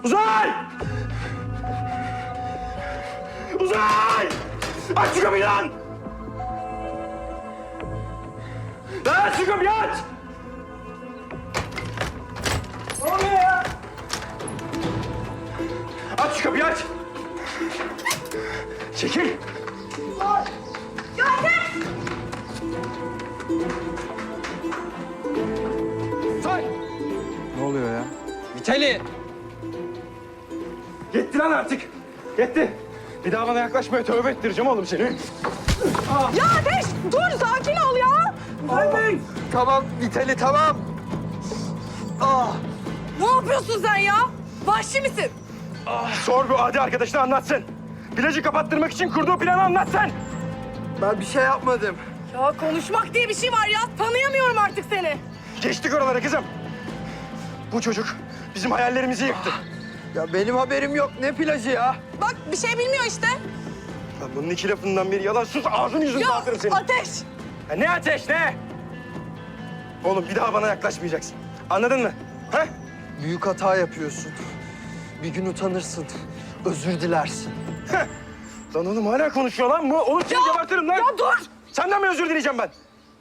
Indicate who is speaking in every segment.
Speaker 1: Uzay! Uzay! Aç şu kapıyı lan! Lan aç şu kapıyı aç! Ne oluyor ya? Aç şu kapıyı aç! Çekil! Uzay!
Speaker 2: Ne oluyor ya?
Speaker 3: Vitali!
Speaker 1: Yetti lan artık. Yetti. Bir daha bana yaklaşmaya tövbe ettireceğim oğlum seni.
Speaker 4: Ya Ateş dur sakin ol ya.
Speaker 3: Tamam Vitali tamam.
Speaker 4: Ne yapıyorsun sen ya? Vahşi misin?
Speaker 1: Sor bu adi arkadaşına anlatsın. Plajı kapattırmak için kurduğu planı anlatsın.
Speaker 3: Ben bir şey yapmadım.
Speaker 4: Ya konuşmak diye bir şey var ya. Tanıyamıyorum artık seni.
Speaker 1: Geçtik oralara kızım. Bu çocuk bizim hayallerimizi yıktı.
Speaker 3: Ya benim haberim yok. Ne plajı ya?
Speaker 4: Bak bir şey bilmiyor işte.
Speaker 1: Lan bunun iki lafından biri yalan. Sus ağzını yüzünü
Speaker 4: Ya
Speaker 1: dağıtırım senin.
Speaker 4: Ateş.
Speaker 1: Ya ne ateş ne? Oğlum bir daha bana yaklaşmayacaksın. Anladın mı? Ha?
Speaker 3: Büyük hata yapıyorsun. Bir gün utanırsın. Özür dilersin.
Speaker 1: Lan oğlum hala konuşuyor lan bu. Oğlum seni gebertirim lan.
Speaker 4: Ya dur.
Speaker 1: Senden mi özür dileyeceğim ben?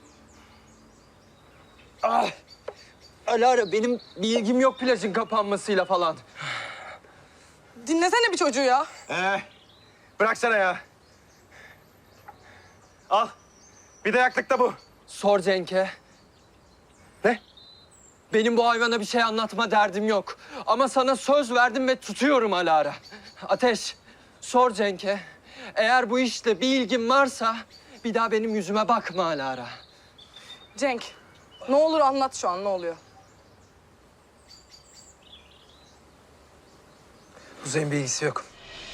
Speaker 3: Alara benim bir ilgim yok plajın kapanmasıyla falan.
Speaker 4: Dinlesene bir çocuğu ya.
Speaker 1: Bıraksana ya. Al. Bir dayaklık da bu.
Speaker 3: Sor Cenk'e.
Speaker 1: Ne?
Speaker 3: Benim bu hayvana bir şey anlatma derdim yok. Ama sana söz verdim ve tutuyorum Alara. Ateş, sor Cenk'e. Eğer bu işle bir ilgin varsa bir daha benim yüzüme bakma Alara.
Speaker 4: Cenk ne olur anlat şu an ne oluyor?
Speaker 2: Kuzey'in bir ilgisi yok.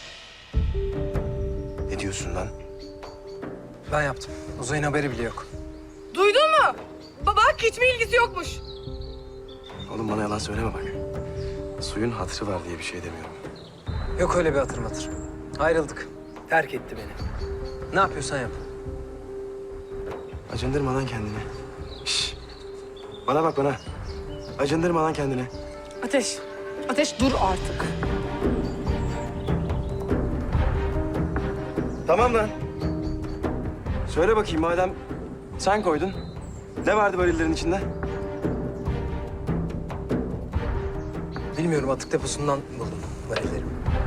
Speaker 1: Ne diyorsun lan?
Speaker 2: Ben yaptım. Uzay'ın haberi bile yok.
Speaker 4: Duydun mu? Bak hiçbir ilgisi yokmuş.
Speaker 1: Oğlum bana yalan söyleme bak. Suyun hatırı var diye bir şey demiyorum.
Speaker 2: Yok öyle bir hatır matır. Ayrıldık. Terk etti beni. Ne yapıyorsan yap.
Speaker 1: Acındırma lan kendini. Şş. Bana bak bana. Acındırma lan kendini.
Speaker 4: Ateş. Ateş dur artık.
Speaker 1: Tamam lan. Söyle bakayım madem sen koydun. Ne vardı varillerin içinde?
Speaker 2: Bilmiyorum atık deposundan buldum varilleri.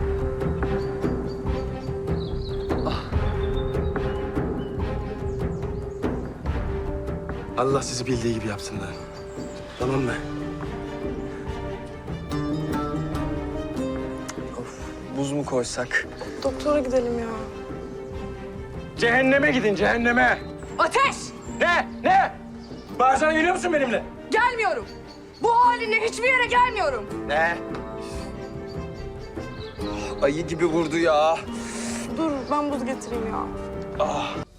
Speaker 1: Allah sizi bildiği gibi yapsın lan. Tamam mı?
Speaker 3: Buz mu koysak?
Speaker 4: Doktora gidelim ya.
Speaker 1: Cehenneme gidin cehenneme.
Speaker 4: Ateş!
Speaker 1: Ne? Ne? Bağırsana geliyor musun benimle?
Speaker 4: Gelmiyorum. Bu halinle hiçbir yere gelmiyorum.
Speaker 1: Ne?
Speaker 3: Ayı gibi vurdu ya.
Speaker 4: Dur ben buz getireyim ya.